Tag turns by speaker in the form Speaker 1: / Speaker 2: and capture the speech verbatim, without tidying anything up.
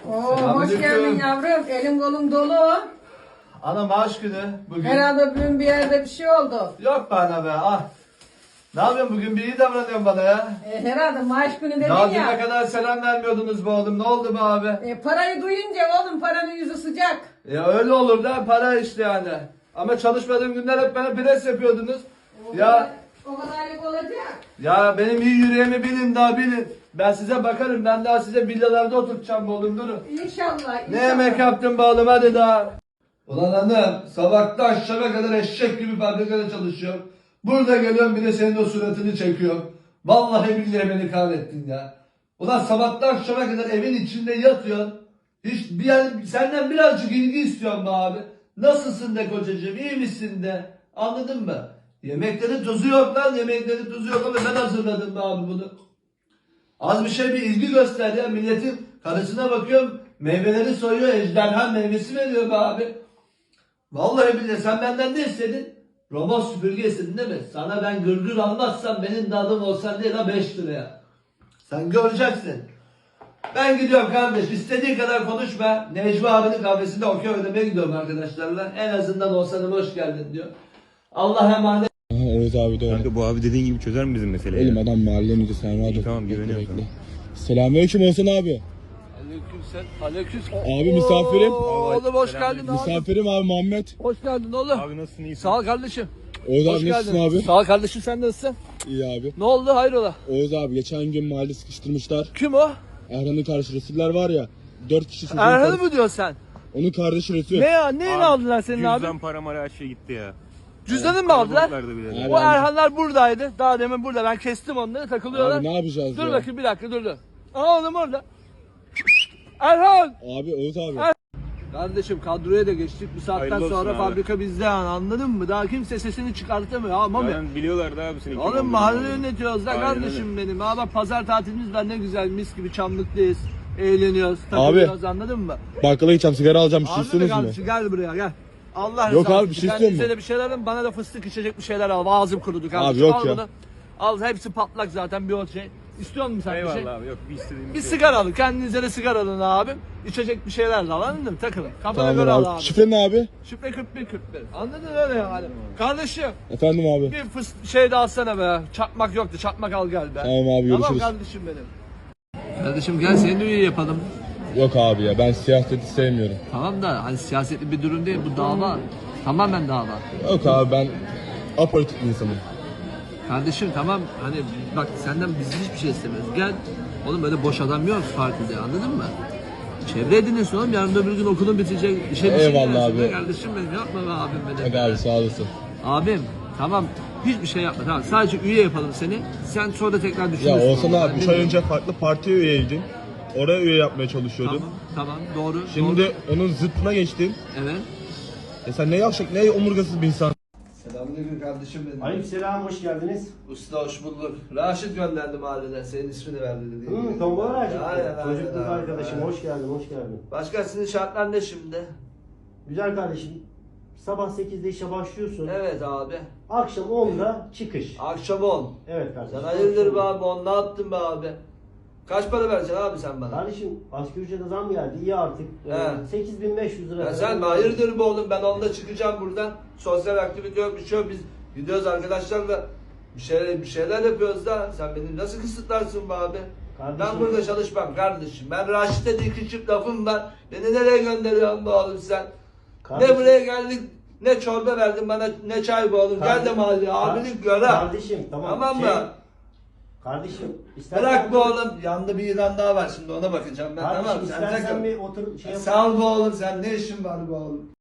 Speaker 1: Oo, hoş
Speaker 2: Selamünaleyküm.
Speaker 1: geldin yavrum. Elim kolum dolu.
Speaker 2: Ana maaş günü bugün.
Speaker 1: Herhalde bugün bir yerde bir şey oldu.
Speaker 2: Yok bana be ah. Ne yapıyorsun bugün bir iyi davranıyorsun bana ya.
Speaker 1: E, herhalde maaş günü dedin
Speaker 2: Daha düne
Speaker 1: ya.
Speaker 2: kadar selam vermiyordunuz be oğlum, ne oldu be abi?
Speaker 1: E, parayı duyunca oğlum paranın yüzü sıcak.
Speaker 2: Ya öyle olur da para işte yani. Ama çalışmadığım günler hep bana pres yapıyordunuz.
Speaker 1: O
Speaker 2: Ya
Speaker 1: kadar, o kadarlık olacak.
Speaker 2: ya benim iyi yüreğimi bilin daha bilin. Ben size bakarım, ben daha size villalarda oturtacağım be oğlum, durun.
Speaker 1: İnşallah. inşallah.
Speaker 2: Ne yemek yaptın be oğlum, hadi daha. Ulan hanım, sabahtan akşama kadar eşek gibi fabrikada çalışıyorum. Burada geliyorum bir de senin o suratını çekiyorum. Vallahi billahi beni kahrettin ya. Ulan sabahtan akşama kadar evin içinde yatıyorsun. Hiç bir yani senden birazcık ilgi istiyorum be abi. Nasılsın de kocacığım, iyi misin de. Anladın mı? Yemeklerin tuzu yok lan, yemeklerin tuzu yok ama ben hazırladım be abi bunu. Az bir şey bir ilgi göster ya, milletin karısına bakıyorum, meyveleri soyuyor, ejderha meyvesi veriyor be abi. Vallahi billahi sen benden ne istedin? Robot süpürge istedin değil mi? Sana ben gırgır almazsam benim de adım olsan değil ha beş liraya. Sen göreceksin. Ben gidiyorum kardeş, istediğin kadar konuşma. Necmi abinin kahvesinde okey oynamaya gidiyorum arkadaşlarla. En azından olsanım hoş geldin diyor. Allah emanet.
Speaker 3: Aha, Oğuz abi doğru.
Speaker 4: Kanka bu abi dediğin gibi çözer mi bizim meseleyi?
Speaker 3: Elim adam mahallenin müdürü, sen rahat ol.
Speaker 4: tamam,
Speaker 3: Bekle,
Speaker 4: güveniyorum
Speaker 3: bekle. Selamünaleyküm Oğuzhan abi.
Speaker 2: Aleykümselam. Aleyküm.
Speaker 3: Abi misafirim.
Speaker 2: Oğlum hoş geldin abi.
Speaker 3: Misafirim abi Muhammed.
Speaker 2: Hoş geldin oğlum.
Speaker 4: Abi nasılsın, iyisin?
Speaker 2: Sağ ol kardeşim.
Speaker 3: Oğuz
Speaker 2: Hoş
Speaker 3: abi nasılsın
Speaker 2: geldin.
Speaker 3: abi?
Speaker 2: Sağ ol kardeşim, sen nasılsın?
Speaker 3: İyi abi.
Speaker 2: Ne oldu, hayrola?
Speaker 3: Oğuz abi geçen gün mahalle sıkıştırmışlar.
Speaker 2: Kim o?
Speaker 3: Erhan'ın kardeşi Resuller var ya. Dört kişi çocuğun
Speaker 2: Erhan'ı
Speaker 3: karısı-
Speaker 2: mı diyorsun sen?
Speaker 3: Onun kardeşi Resul.
Speaker 2: Ne ya? Neyini aldılar senin abi?
Speaker 4: Cüzdan para mara her şey gitti ya.
Speaker 2: Cüzdanını mı aldılar?
Speaker 4: Kalabalıklardı bile.
Speaker 3: Evet.
Speaker 2: O Erhanlar buradaydı. Daha demin burada. Ben kestim onları, takılıyorlar.
Speaker 3: Abi ne yapacağız
Speaker 2: Dur
Speaker 3: ya?
Speaker 2: bakayım bir dakika, dur dur. Aa oğlum orada. Erhan!
Speaker 3: Abi Oğuz abi.
Speaker 2: Er- Kardeşim kadroya da geçtik. Bu saatten
Speaker 4: Hayırlı olsun
Speaker 2: sonra
Speaker 4: abi.
Speaker 2: fabrika bizde yani, anladın mı? Daha kimse sesini çıkartamıyor ama mı?
Speaker 4: Zaten biliyorlardı abi seni. kim
Speaker 2: Oğlum
Speaker 4: olduğunu.
Speaker 2: mahalle yönetiyoruz da
Speaker 4: Aynen
Speaker 2: kardeşim benim. Aa bak pazar tatilimiz var, ne güzel mis gibi Çamlık'tayız. Eğleniyoruz, takılıyoruz, anladın mı?
Speaker 3: Bakkala gideceğim, sigara alacağım, bir şey
Speaker 2: Abi
Speaker 3: istiyorsunuz mu?
Speaker 2: kardeşim gel buraya gel. Allah
Speaker 3: Yok
Speaker 2: rızası
Speaker 3: abi, bir şey
Speaker 2: için.
Speaker 3: istiyor
Speaker 2: Kendinize
Speaker 3: mu?
Speaker 2: de bir şeyler alın, bana da fıstık içecek bir şeyler al. Ağzım kurudu kardeşim.
Speaker 3: Abi yok
Speaker 2: al
Speaker 3: ya.
Speaker 2: Bunu. Al, hepsi patlak zaten bir o şey. İstiyor musun sen bir
Speaker 4: Eyvallah
Speaker 2: şey?
Speaker 4: abi, yok bir istediğim
Speaker 2: Bir
Speaker 4: şey.
Speaker 2: sigara alın, kendinize de sigara alın abim. İçecek bir şeyler al, anladın mı? Takılın. Kafana
Speaker 3: Tamamdır
Speaker 2: göre al
Speaker 3: abi.
Speaker 2: abi.
Speaker 3: Şifre ne abi?
Speaker 2: Şifre kırk bir kırk bir. Anladın öyle yani. Kardeşim
Speaker 3: Efendim abi.
Speaker 2: bir fıs şey de alsana be. Çakmak yoktu, çakmak al gel be.
Speaker 3: Tamam abi,
Speaker 2: Tamam
Speaker 3: görüşürüz.
Speaker 2: kardeşim benim. Kardeşim gel seni de üye yapalım.
Speaker 3: Yok abi ya, ben siyaseti sevmiyorum.
Speaker 2: Tamam da hani siyasetli bir durum değil, bu dava. Tamamen dava.
Speaker 3: Yok abi, ben apolitik bir insanım.
Speaker 2: Kardeşim tamam, hani bak senden biz hiçbir şey istemiyoruz. Gel. Oğlum böyle boş adam yok partide, anladın mı? Çevre ediniyorsun oğlum, yarın öbür gün okulun bitecek. İşe bir şey
Speaker 3: Eyvallah
Speaker 2: girersin
Speaker 3: abi.
Speaker 2: be Kardeşim benim, yapma be abim benim.
Speaker 3: Hadi abi, sağ olasın.
Speaker 2: Abim tamam, hiçbir şey yapma, tamam, sadece üye yapalım seni. Sen sonra tekrar
Speaker 3: Ya
Speaker 2: düşünürsün.
Speaker 3: Oğuzhan
Speaker 2: Ben
Speaker 3: abi, üç ay
Speaker 2: bilmiyorum.
Speaker 3: önce farklı partiye üyeydin. Oraya üye yapmaya çalışıyordun.
Speaker 2: Tamam tamam doğru.
Speaker 3: Şimdi
Speaker 2: doğru.
Speaker 3: onun zıttına geçtin.
Speaker 2: Evet.
Speaker 3: E sen ne yavşak, ne omurgasız bir insan.
Speaker 2: Selamünaleyküm kardeşim benim.
Speaker 5: Aleykümselam, hoş geldiniz.
Speaker 2: Usta hoş bulduk. Raşit gönderdi mahalleden, senin ismini verdi dedi.
Speaker 5: Hı, tombala Raşit.
Speaker 2: Aynen, aynen,
Speaker 5: Çocukluk
Speaker 2: aynen,
Speaker 5: arkadaşım,
Speaker 2: aynen.
Speaker 5: hoş geldin, hoş geldin.
Speaker 2: Başka sizin şartlar ne şimdi?
Speaker 5: Güzel kardeşim, sabah sekizde işe başlıyorsun.
Speaker 2: Evet abi.
Speaker 5: Akşam onda çıkış.
Speaker 2: Akşam on.
Speaker 5: Evet kardeşim.
Speaker 2: Sen hayırdır be
Speaker 5: akşam on.
Speaker 2: abi, on ne yaptın be abi? Kaç para vereceksin abi sen bana?
Speaker 5: Kardeşim, asgari ücrete zam geldi, iyi artık.
Speaker 2: He.
Speaker 5: Ee, sekiz bin beş yüz lira.
Speaker 2: Ya sen hayırdır be oğlum, ben onda çıkacağım buradan. Sosyal aktivite yok, bir şey yok. Biz gidiyoruz arkadaşlarla bir şeyler, bir şeyler yapıyoruz da sen beni nasıl kısıtlarsın be abi?
Speaker 5: Kardeşim-
Speaker 2: Ben burada çalışmam kardeşim. Ben Raşit'e de iki çift lafım var. Beni nereye gönderiyorsun be oğlum sen?
Speaker 5: Kardeşim-
Speaker 2: Ne buraya geldik, ne çorba verdin bana, ne çay be oğlum. Gel de mahalleye, abilik gör ha.
Speaker 5: Kardeşim, tamam.
Speaker 2: Tamam mı?
Speaker 5: Şey, Kardeşim, istersen...
Speaker 2: Bırak be oğlum, yanında bir ilan daha var, şimdi ona bakacağım ben.
Speaker 5: Kardeşim,
Speaker 2: Tamam sen
Speaker 5: istersen
Speaker 2: takıl.
Speaker 5: bir otur şey yap.
Speaker 2: Sağ ol be oğlum, sen ne işin var be oğlum?